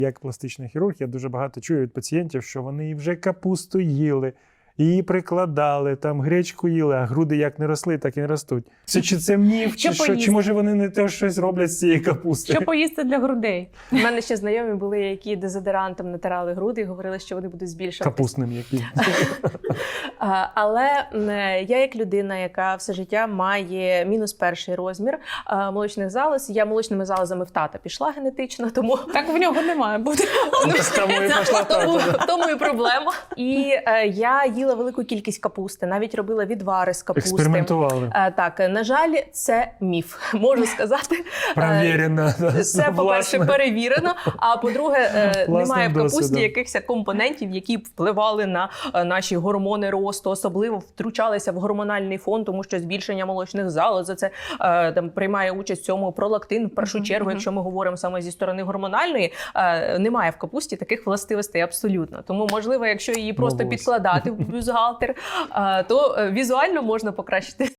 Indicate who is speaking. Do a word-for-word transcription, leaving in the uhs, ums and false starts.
Speaker 1: Як пластичний хірург, я дуже багато чую від пацієнтів, що вони вже капусту їли, її прикладали, там гречку їли, а груди як не росли, так і не ростуть. Це чи це міф, чи що? Чи може вони не те щось роблять з цієї капусти?
Speaker 2: Що поїсти для грудей?
Speaker 3: У мене ще знайомі були, які дезодорантом натирали груди і говорили, що вони будуть збільшувати.
Speaker 1: Капустним яким.
Speaker 3: Але я як людина, яка все життя має мінус перший розмір молочних залоз, я молочними залозами в тата пішла генетично, тому...
Speaker 2: Так в нього не має бути.
Speaker 3: Тому, тому і проблема. І я їла велику кількість капусти, навіть робила відвари з капусти.
Speaker 1: Експериментували.
Speaker 3: Так, на жаль, це міф, можу сказати.
Speaker 1: Провірено.
Speaker 3: Це, по-перше, перевірено, а по-друге, немає в капусті
Speaker 1: досвідом.
Speaker 3: якихось компонентів, які б впливали на наші гормони росту, особливо втручалися в гормональний фон, тому що збільшення молочних залоз, це там приймає участь в цьому пролактин, в першу чергу, mm-hmm. якщо ми говоримо саме зі сторони гормональної, немає в капусті таких властивостей абсолютно. Тому, можливо, якщо її просто
Speaker 1: Молодець.
Speaker 3: підкладати в бюстгальтер, то візуально можна покращити